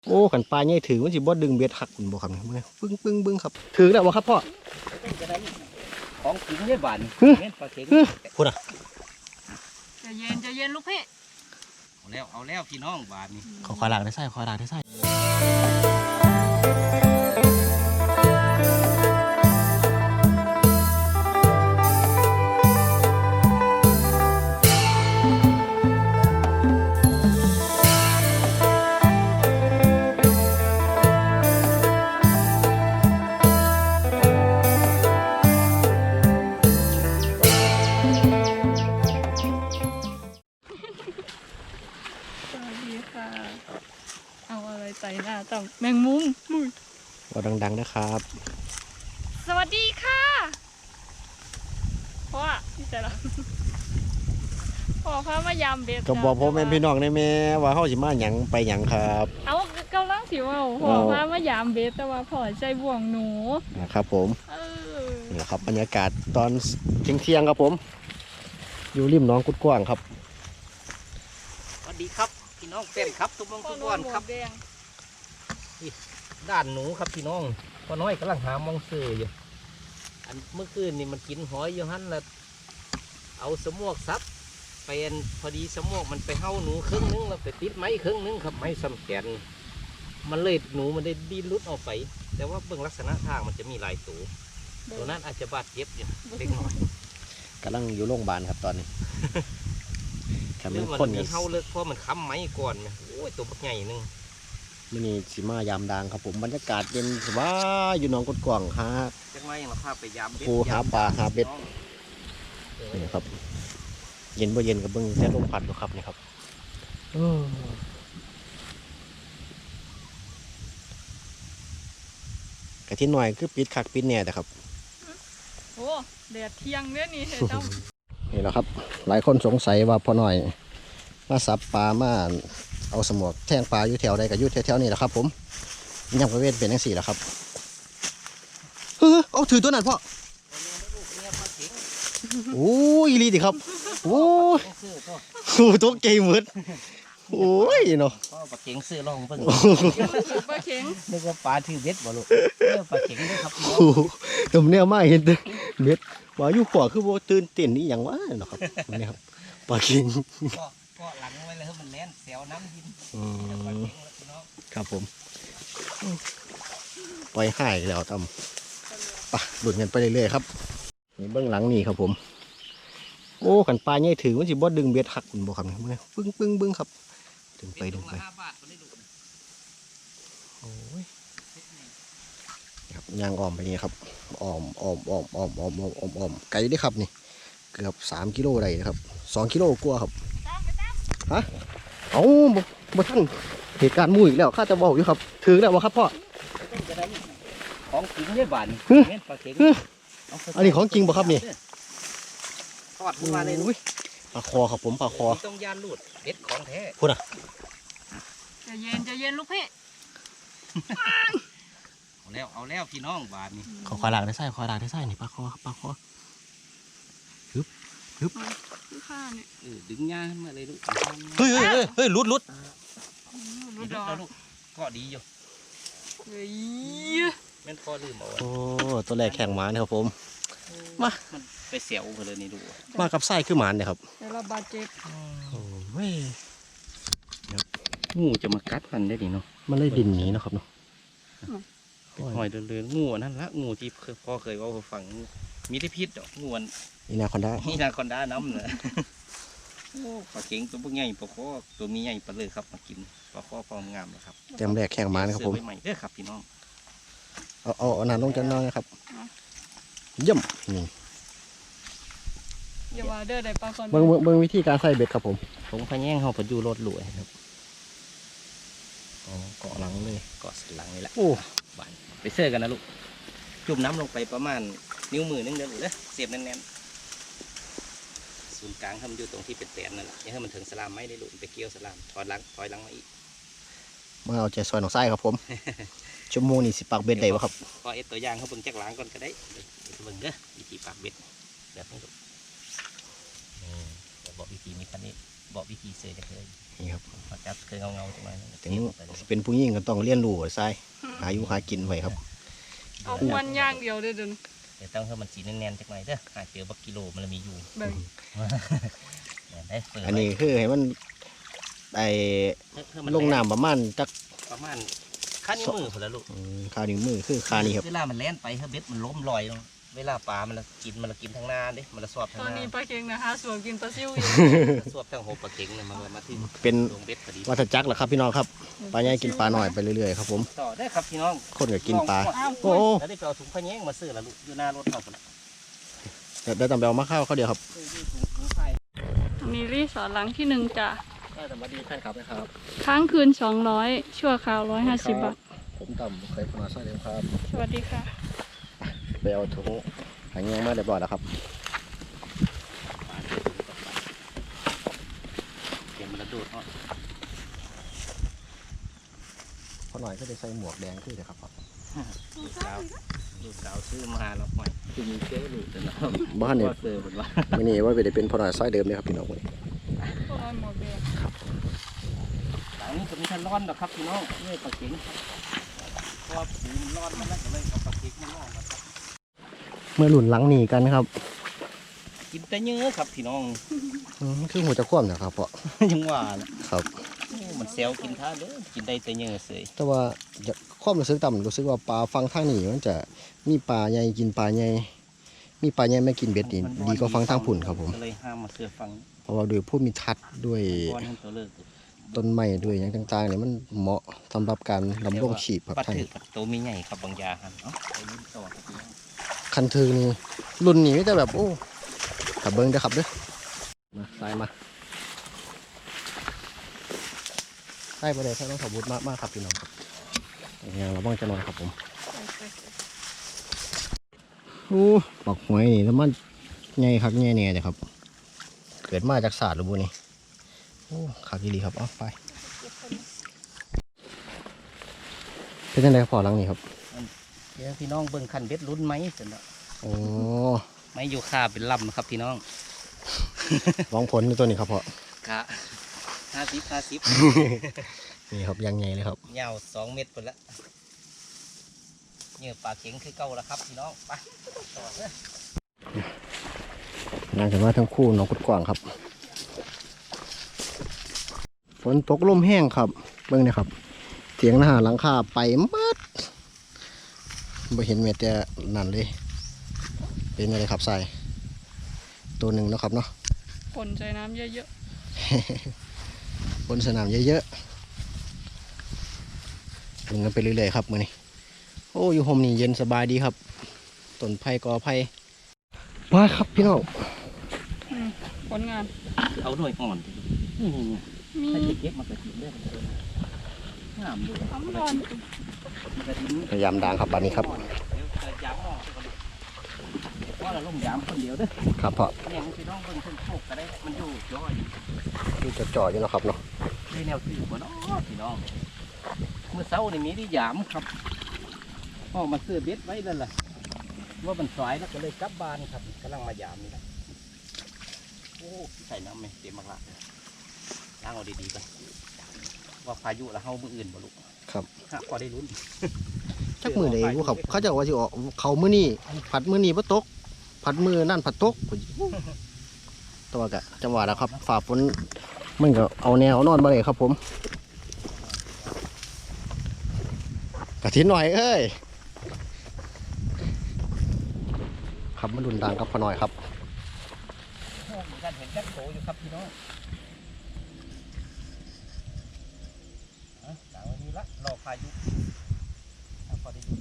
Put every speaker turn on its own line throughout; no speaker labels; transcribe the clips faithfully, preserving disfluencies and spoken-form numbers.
โอ้ขันปลาใหญ่ถือมันสิบ่ดึงเบ็ดหักคุณบ่ครับเนี่ยปึ้งปึ้งปึ้งครับถือแล้วบ่ครับพ่อ
ของกินได้บานเงี้ยปลาเข็ง
พูดอ่ะ
จะเย็นจะเย็นลูกพี่
เอาแล้วเอาแล้วพี่น้องบานนี่
ขอควายหลักได้ไส้ควายหลักได้ไส้
ใส่หน้าต่ำแมงมุม
ว่าดังๆนะครับ
สวัสดีค่ะพ่อพี่เสร็จแล้วพ่อพามายามเบ็ด
ก็บอกพ่อแม่พี่น้องได้แม่ว่าเขาสิมาหยังไปหยังครับ
เอากำลังสิว่าพ่อพามายามเบ็ดแต่ว่าพ่อใจบ่วงหนู
นะครับผมนี่แหละครับบรรยากาศตอนเที่ยงๆครับผมอยู่ริมหนองกุดกว้างครับ
สวัสดีครับพี่น้องเต้นครับทุกมงทุกวันครับด้านหนูครับพี่น้องพ่อน้อยกำลังหามองซื้ออยู่อันเมื่อคืนนี่มันกินหอยอยู่ฮั่นแล้วเอาสมวกซับเป็นพอดีสมวกมันไปเห่าหนูครึ่งนึงแล้วไปติดไม้ครึ่งนึงครับไม้ซ้ำแขนมันเลยหนูมันได้ดิ้นรุดออกไปแต่ว่าเบื้องลักษณะทางมันจะมีหลายตัวตัวนั้นอาจจะบาดเจ็บอยู่เล็กน้อย
กำลังอยู่โรงพยาบาลครับตอนนี้
เรื่องมันมีเห่าเลิกเพราะมันค้ำไม้ก่อนโอ้ยตัวบักใหญ่นึง
มันนี่สีมายามดังครับผมบรรยากาศเย็นสบายอยู่หนองกุดกว้างฮะ
จังไรอย่างเราพาไปยาม
ปูหาปลาหาเบ็ดนี่ครับเย็นบ่เย็นกับเบิ้งแต่ลมพัดดูครับนี่ครับกะทิหน่อยคือปิดคักปิดแน่แต่ครับ
โอ้แดดเที่ยงเนี่ยนี่เฮ้ยต้อม
นี่แหละครับหลายคนสงสัยว่าพอหน่อยมาสับปลามาเอาสมวกแทงปลาอยู่แถวใดกับอยู่แถวๆนี่แหละครับผมยังประเวทเป็นทั้งสี่แหละครับเออเอาถือตัวนั้นพ่อโอ้ยลีดิครับโอ้ยโอ้ตัวเก่งเหมือนโอ้ยเนาะ
ปลาเข็งซื้อลองเพิ่ง
ปลาเข็ง
นึกว่าปลาถือเบ็ดบ่ลูกปลาเข็งด้วยครับ
โอ้ดมเนี่ยมาเห็นเบ็ดว่าอยู่ขวาคือโบตื่นเต้นนี่อย่างวะเนาะครับนี่ครับปลาเข็ง
ก็หลังไว้เลยให้มันแล่นแซวน้ำดิน
ครับผมปล่อยให้แล้วทำปะหลุดเงินไปเรื่อยๆครับนี่เบื้องหลังนี่ครับผมโอ้ขันปลาใหญ่ถือมันสิบ่ดึงเบ็ดหักคุณบ่ครับเนี่ยปึ้งปึ้งปึ้งครับดึงไปดึงไปโอ้ยครับยางอ้อมไปนี่ครับอ้อมอ้อมอ้อมอ้อมอ้อมอ้อมอ้อมอ้อมไกลได้ครับนี่เกือบสามกิโลได้นะครับสองกิโลกว่าครับฮะเอาบ่บ่ทันเหตุการณ์มู่อีกแล้วข้าจะบอกอยู่ครับถือแล้ววะครับพ่อ
ของจริงได้บานปลาเข็ง
อันนี้ของจริงป่ะครับนี่
ทอดมาเลย
ปลาคอครับผมปลาคอ
ต้องยานลูดเด็ดของแท้
พูดอ่ะ
จะเย็นจะเย็นลูกพี่
เอาแล้วเอาแล้วพี่น้องบานนี่
ขอควายหลักได้ไส้ควายหลักได้ไส้นี่ปลาคอปลาคอฮึบฮึบ
ข้าเนี่ย
ดึงยามาเลยลูก
เฮ้ยเฮ้ยเฮ้ยลุดลุด
ลุดแล้วลูกก็ดีอยู่
เฮ้ย
แม่นพอลืมเอา
โอ้ตัวแรกแข่งหมาเนี่ยครับผมมา
ไปเสียวเลยนี่ดู
มากับไส้คือหมาเนี่ยครับ
แต่เราบาดเจ็บ
โอ้ย
งูจะมากัดมันได้ดีเนาะ
มันเลยดินนี้นะครับเนาะ
หอยเดือดงูนั่นละงูที่พ่อเคยว่าฝังมีที่พิษงู
อีนาคอนด้า
อีนาคอนด้าน้ำเนอะปลาเข็งตัวพวกใหญ่ปลาข้อตัวมีใหญ่ปลาเลยครับมากินปลาข้อพร้อมงามนะครับ
เต็มแรกแข่งหมานะครับผม
ใหม่เด้อครับพี่น้อง
เอาเอาเอาหนาลงจันน้อยนะครับเยี่ยมนี่
อย่าว่าเด้อได้ปลาคน
เบิ้งเบิ้งวิธีการใส่เบ็ดครับผม
ผมพะแย่งเขาไปดูรถหลวยครับ
อ๋อเกาะหลังเลย
เกาะหลังนี่แหละโอ้บานไปเสื้อกันนะลูกจุ่มน้ำลงไปประมาณนิ้วมือนึงเด้อลูกเด้อเสียบแน่นๆศูนย์กลางทำอยู่ตรงที่เป็นแตนนั่นแหละอย่าให้มันถึงสลามไม่ได้ลูกไปเกี่ยวสลามถอยหลังถอยหลังมาอีก
มาเอาใจซอยหนองไส้ครับผมชั่วโมงนี่สิปากเบ็ดได้ปะครับ
พอเอ็ดตัวอย่างเขาเบิ่งจักหลังก่อนก็ได้เบิ่งเด้อวิธีปากเบ็ดแบบนี้ลูกนี่เราบอกวิธีนี้คันนี้บอกวิธีเสือจะเคย
นี่ครับ
มาจับเคยเงาเงาๆตรงนั้น
ถึงสิเป็นผู้หญิงก็ต้องเรียนรู้ใช่หาอยู่หากินไว้ครับ
เอามวนอย่างเดียวเด้อเดิน
เดี๋ยวต้องให้มันสีแน่นๆจักหน่อยเด้อหาเจอบักกิโลมันมีอยู่
เบิ่ง
เนี่ยได้เปิด
อันนี้คือให้มันไอลงน้ำประมาณจัก
ประมาณขั้นนิ้วมือพอแล้วลูก
อืมคานิ้วมือคือคานี่ครับ
เวลามันแล่นไปเฮ้ยเบ็ดมันล้มลอยลงเวลาปลามันละกินมันละกินทางหน้าเด้มันละสอบทาง
ตอน
หน้า
นี้ปลาเค็งนะฮะสวนกินปลาซิวอยู่
สวบทางหัวปลาเข็งเลยมันก็มาถึง
เป็น
ลงเบ็ดพอดี
วัฏจักรเหรอครับพี่น้องครับปลาใหญ่กินปลาหน่อยไปเรื่อยๆครับผม
ต่อได้ครับพี่น้อง
คนก็กินปลา
อ้าว
โอ้โห
แล้วได้ไปเอาถุงพะแยงมาซื้อละลูกอยู่หน้ารถเขาคนละ
เดี๋ยวต้องไปเอามาข้าวเขาเดียวครับ
ซื้ออยู่ถุงถุงไข่
อันนี้รีสอร์ทหลังที่หนึ่งจ้ะ
ได้แต่มาดีแฟนคลับนะครับ
ค้างคืนสองร้อยชั่วคราวร้อยห้าสิบบาท
ผมต่ำเคยพนาซอยเดียวครับ
สวัสดีค่ะ
ไปเอาถุงหางเงี้ยงมาเรียบร้อยแล้วครับ
เข็มระโดดเนาะ
พอหน่อยก็จะใส่หมวกแดงขึ้นเลยครับพ่อ
ลูกสาวลูกสาวซื้อมาแล้วปล่อยคือมีเชื้อลูกแต่ละ
บ้านเนี่ย
เสือเป็นว่า
ไม่นี่ว่าไปได้เป็นพอหน่อยซอยเดิมเลยครับพี่น้องวันนี้
พวกเราหมดเลย
หลังนี้จะมีทันร้อนหรอกครับพี่น้องนี่ปลาเข็งเพราะว่าปูมันร้อนมันแล้วก็เลยเอาปลาเข็งมาล่องกันครับ
เมื่อหลุนหลังหนีกันครับ
กินแต่เนื้อครับพี่น้อง
อืมคือหัวจะคว่ำนะครับพ่อ
ยังว่าล่ะ
ครับ
โอ้มันเซลกินท่าเด้อกินได้แต่เนื้อเสย
แต่ว่าจะความรู้สึกต่ำรู้สึกว่าปลาฟังทางนี้มันจะมีปลาใหญ่กินปลาใหญ่มีปลาใหญ่ไม่กินเบ็ดนี่ดีกว่าฟังทางผุ่นครับผม
ก็เลยห้ามมาเสือฟัง
เพราะว่าด้วยผู้มีทัศน์ด้วย
ก้อนให้ตัวเลิก
ต้นไม้ด้วยอย่างต่างๆเนี่ยมันเหมาะสำหรับการดำรงชีพครับ
ปัด
ท่าน
ถือปัดโตมีใหญ่ครับบางยาหันเนาะไปยิ้มต่อครับพี่น้อง
คันถือนี่รุ่นนี้มีแต่แบบโอ้ขับเบิ้งเด้อครับเด้อมาใส่มาใส่ไปเลยใส่ต้องขับบุญมากมากครับพี่น้องครับอย่างเราบ้างจะนอนครับผมโอ้ปักหอยนี่แล้วมันใหญ่คักใหญ่เนี่ยเลยครับ เกิดมาจากศาสตร์หรือบุนี่โอ้คักดีครับเอาไปเป็นยังไงพอหลังนี้ครับ
เดี๋ยวพี่น้องเบิ่งคันเบ็ดลุ้นไหมเสร็จแล้ว
โอ้
ไม่อยู่ค่าเป็นลำนะครับพี่น้อง
ลองผลในตัวนี้ครับพ่อก
ะห้าสิบห้าสิบ
นี่ครับยังไงเลยครับ
ยาวสองเมตรไปแล้วเนื้อปลาเข็งคือเก่าแล้วครับพี่น้องไปต่อเลย
น่าจะว่าทั้งคู่น้องกุดกว่างครับฝนตกลมแห้งครับเบิ่งนะครับเสียงหน้าหลังคาไปมัดไม่เห็นเม็ดแต่นั่นเลยเป็นอะไรครับใส่ตัวหนึ่งเนาะครับเนาะ
ผลใจน้ำเยอะ
บนสนามเยอะๆดึงกันไปเรื่อยๆครับมือนี้โอ้อยู่โฮมนี่เย็นสบายดีครับต้นไผ่กอไผ่มาครับพี่น้อง
ๆอืมผลงาน
เอาหน่วยอ่อนนี่นี่
มี
ถ้าจะเก็บมันก็ทิ้งได้เลยงามดู
น้ำร้อน
มันก็ทิ้ง
พยายามดังครับบัดนี้ครับ
เดี๋ยวจะย้ำมองไปก่อนว่าเราล่มย้ำคนเดียวเด้อ
ครับพ่อ
เนี่ยมันพี่น้องเบิ่งเส้นโชคก็ได้มันอยู่ย่อย
ดูจะจ่ออยู่เนาะครับเนาะ
ได้แนวถือบ่เนาะพี่น้องเมื่อเช้านี่มีที่ยามครับออกมาซื้อเบ็ดไว้แล้วล่ะว่ามันสายแล้วก็เลยกลับบ้านครับกำลังมายามนี่แหละโอ้ใส่น้ำไหมเต็มมากละล้างเอาดีๆไปว่าพายุแล้วเฮามืออื่นบ่ลูก
ครับ
ฮะพอได้ลุ้น
จักมือไหนผู้ขับเขาจะว่าสิออกเขามือนี่ผัดมือนี่บ่ตก ผัดมือนั่นผัดตกตัวกะจังหวะแล้วครับฝ่าฝนมันก็เอาแนวนอนมาเลยครับผมกระถินหน่อยเอ้ยครับมาดุนดังกับพอหน่อยครับ
โอ้มีการเห็นแจ็คโตอยู่ครับพี่น้องเอาหลังวันนี้ละรอพายุเอาพอได้ลุ้น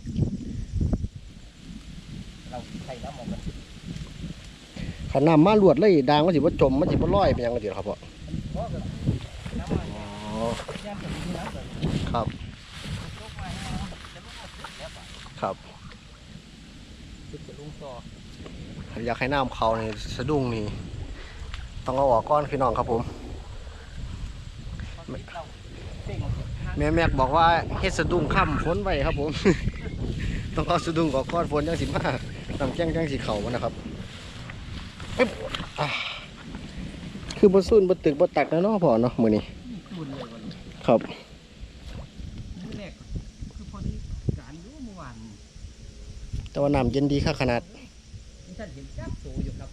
เราใส่น้ำออกกัน
ขันน้ำมาลวดเลยดังมันสิบ่จมมันสิบ่ลอยไปยังกระเดียวครับพ่อ
เพราะแบบน้ำมัน
อ๋อ
ย่างแบบนี้นะแบบ
ครับ
ลงมาให้เราจะลุกมาสุดแล้วป่ะ
ครับ
สุดจะลุงต่อ
อยากให้น้ำเขาในสะดุ้งนี่ต้องเอาออกก้อนพี่น้องครับผม
เพราะที่เราเต่งทาง
แม่แม็กบอกว่าเฮ็ดสะดุ้งค่ำฝนไว้ครับผม ต้องเอาสะดุ้งออกก้อนฝนจังสิมาน้ำแจ้งจังสิเข่ามันนะครับปึ๊บอ่าคือบนซุ่นบนตึกบนตักนะเนาะพ่อเนาะมื้อนี้
บุญเลยวันนี้
ครับ
มื้อแรกคือพอดีการอยู่เมื่อวาน
แต่ว่าน้ำเย็นดีค่ะขนาด
นี่ท่านเห็นจับโตอยู่ครับ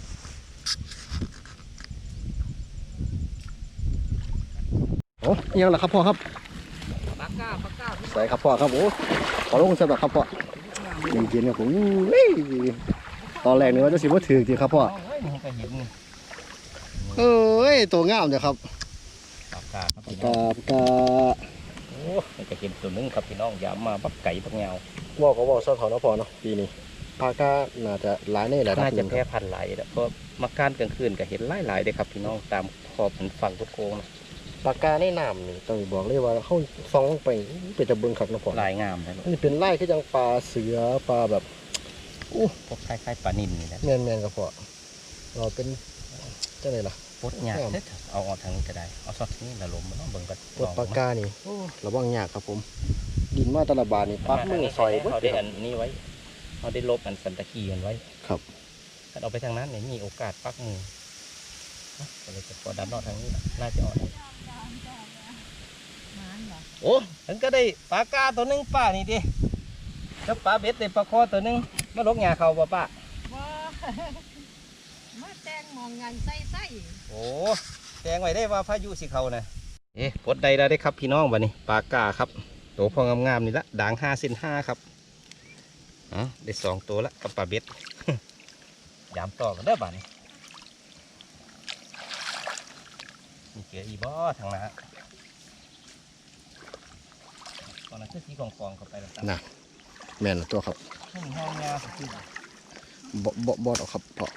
โอ้ยังล่ะครับพ่อครับ
ปากก้าปากก้าพี่
ใส่ครับพ่อครับโอ้ขอลงสำหรับครับพ่อเย็นๆครับผมเฮ้ยตอนแรกนึกว่าจะสิบ่ถือจริงครับพ่อ
เฮ้ยมันก็เห็นนี่
เอ้ยตัวงามเด้อครับ
ปากก้าครับพี่น้
กา
อง
บกา
โอ้มันก็เห็นตัวหนึงครับพี่น้องอย่ามาบักไก่บักเงา
ว่าก็ว่าซ่อนเขาเนาะพ่อเนาะปีนี้ปากาน่าจะหลายในระดับ
น่า
ห
จะ
นึงค
แพร่
รับ
พันธุ์หลายแล้วเพราะมาการกลางคืนก็เห็นหลายๆเลยครับพี่น้องตามขอบเป็นฝั่งทุกโค้งนะ
ปากกาในน้ำนี่ต้องบอกเลยว่าเขาส่องลงไปเป็นตะเบิงคักเนาะพ่อ
ลายงามนะลูก
นี่เป็นไล่คือจังปลาเสือปลาแบบอู้
พวกคล้ายๆปลานิลนี่นะ
แมนๆครับพ่อเราเป็นจังไดล่ะ
ปลดหยาดเด้อเอาออกทางนี้ก็ได้เอาซอดนี้ละลมมันต้องเบิ่งกัน
ปวดปากกานี่โอ้ระวังยากครับผม ดินมาแตละบาทนี่ปักมือซอยเบิด
เขา
เล
ได้
ยค
อั
รับ
นนี้ไว้เขาได้ลบอันสันตะคีกันไว้
ครับ
ถ้าเอาไปทางนั้นเนี่ยมีโอกาสปักมือเอาก็เลยจะพอดันนอกทางนี้นะน่าจะออกได้โอ้ฉันก็ได้ปลากาตัวหนึงป้านี่ดิแล้วปลาเบ็ดได้ปลาคอตัวหนึงมาลกหญ้าเขาบ่ป้า
บ่ มาแตงหมองงานใส่ใส่
โอ้แจงไว้ได้ว่าพายุสิเขานะเอ๊ะปลดใดแล้วได้ครับพี่น้องบัดนี้ปลากาครับตัวพองามๆนี่ละด่างห้าเซนห้าครับอ๋อได้สองตัวละกับปลาเบ็ด ยามต่อกันเด้อบัดนี้มีเกลืออีบ่ทางหน้าตอนนั้นคือสีกองกองๆเข้าไปแล้วครับ
น่ะแม่นตัวครับ
ห้องห้องยาสุด
บ่บ่บ่ดอกครับพ่อ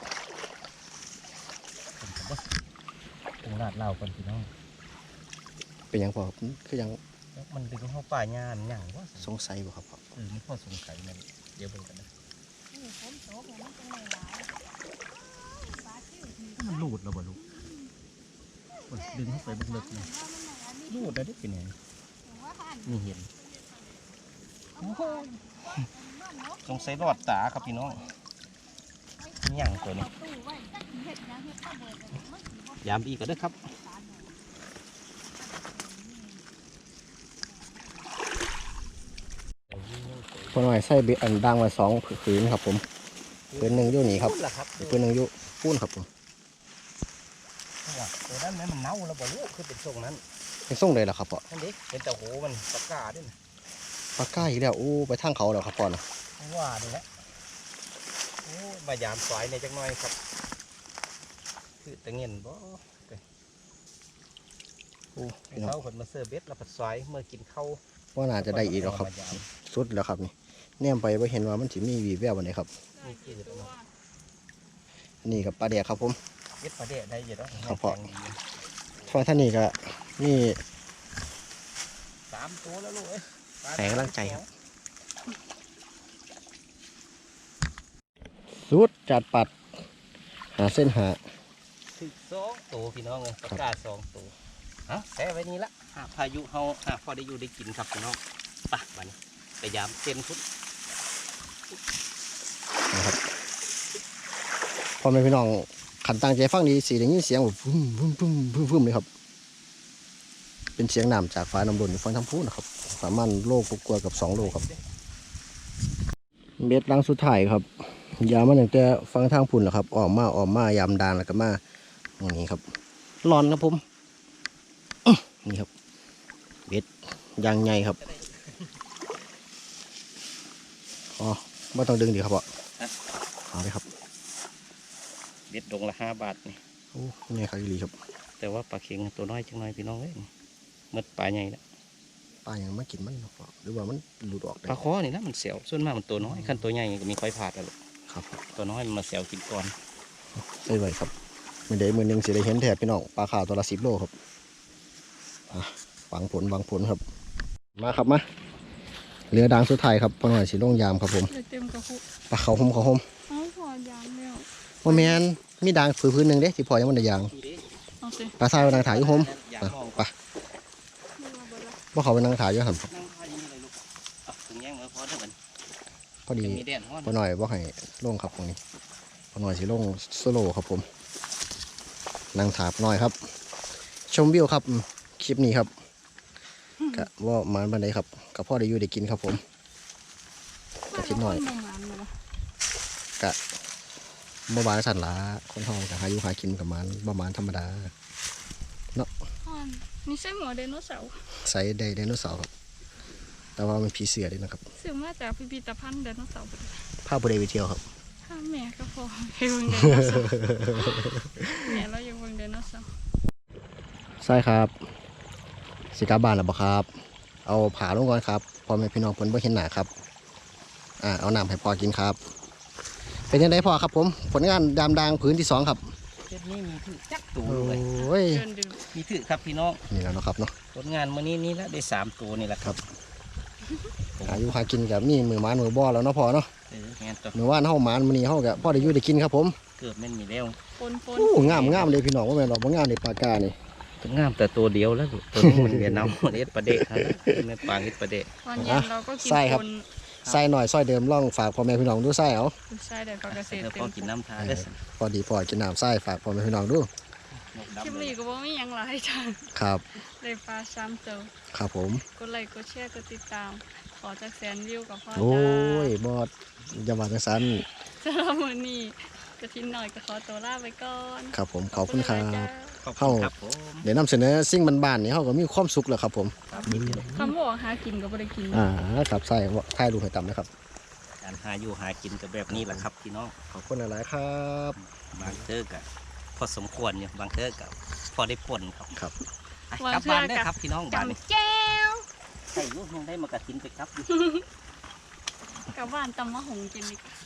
ผมก็ตรงลาดเหล่ากันพี่น้อง
เป็นหยังพ่อครับคือยัง
แล้วมันดึงเข้าป่าหญ้ามันหยังว่า
สงสัยบ่ครับพ่อ
เออไม่พอสงสัยมันเดี๋ยวเบิ่งกันนะ
นี่ฝนตกแล้วมันจังได๋หลายปลาคิ้วที่
มันรูดแล้วบ่ลูกมันดึงเข้าไปเบิกๆเลยรูดได้ได้เป็นไง
ว่าหัน
นี่เห็น
โอ้โหมันนก
สงสัยรอดตาครับพี่น้องนี่หยังตัวนี้
ตู้ไว้จักสิเฮ็ดหยังเฮ็ดข้าวเบิดมันสิบ่
ยามอีกก็ได้อครับ
ตานหยัง
พ่อหน่อยใส่เบ็ดอันดังไว้สองผืนครับผมผืนหนึงอยู่นี่ครับ
พูดล่ะครับ
อีกผืนหนึงอยู่ปูนครับผม
ตัวนั้นแม่มันเน่าแล้วบ่ลูกคือเป็นทรงนั้น
เป็นส่งเลยล่ะครับพ่อ
นั่นดิเป็นแต่โหมันปากกาด้วยนะ
ปลากาอีกแล้วโอ้ไปทางเขาแล้วครับพ่อนะ
ว่านี่แหละโอ้มายามสายในจักหน่อยครับ คือตะเงียนบ่
โอ้พี่น้อง
เขาคนมาเสิร์ฟเบ็ดแล้วผัดสายเมื่อกินข้าว
ว่าน่าจะได้อีกแล้วครับ
มายาม
สุดแล้วครับนี่แนมไปว่าเห็นว่ามันสิมีวีแวววันไหนครับ
นี่คือ
นี่กับปลาแดกครับผม
เบ็ดปลาเดะได้เยอะแล้ว
ครับพ่อ ฟังท่านนี่ก็นี่
สามตัวแล้วลูกเอ้ยปลา
แฝงกำลังใจครับ สุดจัดปัด หาเส้นหา
ถึกสองตัวพี่น้องเลยปลากาสองตัวฮะแซ่ไว้นี่ละหากพายุเฮาหากพอได้อยู่ได้กินครับพี่น้องไปะบัดนไปยามเต็มทุน
นะครับพ่อแม่พี่น้องขันตั้งใจฟังดีสีได้ยินเสียงแบบพุ่มพุ่มพุ่มพุ่มพุ่มเลยครับ เป็นเสียงน้ำจากฟ้าน้ำล้นอยู่ฟังทั้งพูนะครับประมาณโลกกว่าๆกับสองโลครับ เม็ดลังสุดท้ายครับยามมันอย่างแต่ฟังทางพุ่นแหละครับออกมาออกมายามดานแล้วก็มาอย่างนี้ครับร้อนครับผมอื้อนี่ครับเบ็ดยางใหญ่ครับอ๋อไม่ต้องดึงดีครับพ่อเอาเลยครับ
เบ็ดดงละห้าบาทนี่
โอ้นี่ครับอีหลีครับ
แต่ว่าปลาเค็งตัวน้อยจังน้อยพี่น้องเอ้ยหมดปลาใหญ่ละ
ปลาอย่างมากินมันเนาะพ่อหรือว่ามันหลุดออกได้
ปลาคอนี่ละมันเสียวส่วนมากมันตัวน้อยขั้นตัวใหญ่ก็มีค่อยผาดแล้วลูก
ครับ
ตัวน้อยมันมาเสียวกินก่อน
ใส่ไว้ครับมือเดมือหนึ่งสิได้เห็นแถบพี่น้องปลาขาวตัวละสิบโลครับอ่ะวางผลวางผลครับ มาครับมาเรือด่างสุดท้ายครับพอหน่อยสีลงยามครับผม
เลยเต็มกระพุก
ปลาเขาวหมเขาวหม
เอาพอยามแล้ว
ว่าแมนมีด่างผืนพื้นหนึ่งเด้ที่พอยังมันได้ยาง
เอาสิ
ปลาทรายนางถ่ายอยู่โฮม
อยาก
อ่ะ
ลอง
ไปว่าเขาเป็นนางถ่ายอยู่หัน
นั่งพายยังไงลูกอ่ะถึงแย่งมือพอเท่ากัน
พอดี
มีแดดฮ้อน
พอหน่อยว่าให้ลงครับตรงนี้พอหน่อยสิลงโซโล่ครับผมนั่งถาบน้อยครับ ชมวิวครับอืมคลิปนี้ครับกะว่ามาบันไดครับกับพ่อได้อยู่ได้กินครับผม กระทิหน่อย
มาแล้วคนบ่หมานเลยว่ะ
กะบ่บานสันหลาคนท้องกะหาอยู่หากินกับมันประมาณธรรมดา
อ่อนนี่ใช่หัวไดโนเสาร์
ใส่ไดไดโนเสาร์ครับ แต่ว่ามันผีเสือด้วยนะครับ
ซื้อมาจากพิพิธภัณฑ์ไดโนเสาร์
ภาพบุได้ไปเที่ยวครับ
ถ้าแม่ก็พอให้เบิ่งไดโนเสาร์แม่เรายังเบิ่งไดโนเสาร์
ใช่ครับสิกลับบ้านแล้วบ่ครับ เอาผาลงก่อนครับพ่อแม่พี่น้องเพิ่นบ่เห็นหน้าครับอ่าเอาน้ำให้พ่อกินครับ เป็นยังไงพ่อครับผมผลงานดามดังผืนที่สองครับ
เจ็ดนี้มีถือจักตัว
โอ
เลย
้ย
เดินดื่ม
มีถือครับพี่น้อง
นี่แล้วเนาะครับเนาะ
ผลงานมื้อนี้นี่ละได้สามตัวนี่แหละครับ
อายุหากินกับมีมือหมานมือบ่อแล้วเนาะพ่อเนาะ
เอองานตัว
มือว่านเฮาหมานมื้อนี้เฮาก็พ่อได้อยู่ได้กินครับผม
เกือบแม่นมีแล้ว
ปนปน
โอ้งามงามเลยพี่น้องว่าแม่นดอกบ่งามเลยปากกานี่
ตัวงามแต่ตัวเดียวแล้วลูกตัวนี้มันเวียนน้ำเอ็ดประเดะครับแม่ปางเอ็ดประเดะ
ตอนเย็นเราก็กินปน
ใส่หน่อยซอยเดิมล่องฝากพ่อแม่พี่น้องดูใส่เอา
ใช่เดี๋ยวก็เกษตร
แล้ว
เต็
พอ
ม
กินน้ำทาได้อ
พอดีพ่อกินน้ำใส่ฝากพ่อแม่พี่น้องดู
นก
คลิป
ดำเล
นี้
ย
ก็บ่มีหยังหลายจ้ะ
ครับ
ได้ปลาซ้ำเติม
ครับผม
กดไลค์กดแชร์กดติดตาม ขอจากแสนวิวกับพ่อ
โอ้
จ้าย
บอดอย่าว่าจังซั่น
สำหรับมื้อนี้กระทินหน่อยก็ขอตัวลาไปก่อน
ครับผมขอบคุณครั
หลายๆจ้า
บ
ขอบคุณครับผม
เดี๋ยวนำเสนอสิ่งบ้านๆนี่เฮาก็มีความสุขแล้วครับผม
ครับ
คำบอกหากินก็บ่ได้กิน
อ่าครับใส่ถ่ายรูปให้ต่ำนะครับ
การหาอยู่หากินกับแบบนี้แหละครับพี่น้อง
ขอบคุณหลายๆครับ
บางเทอกับพอสมควรอยู่บางเทอกับพอได้ผลครับ
ครับ
ไปกลับบ้านได้อครับพี่น้องบ้านนี้
จำแก้ว
ใส่ลูกยังได้มากระทินไปครับ
กลับบ้านตำมะหงกินดีกว่า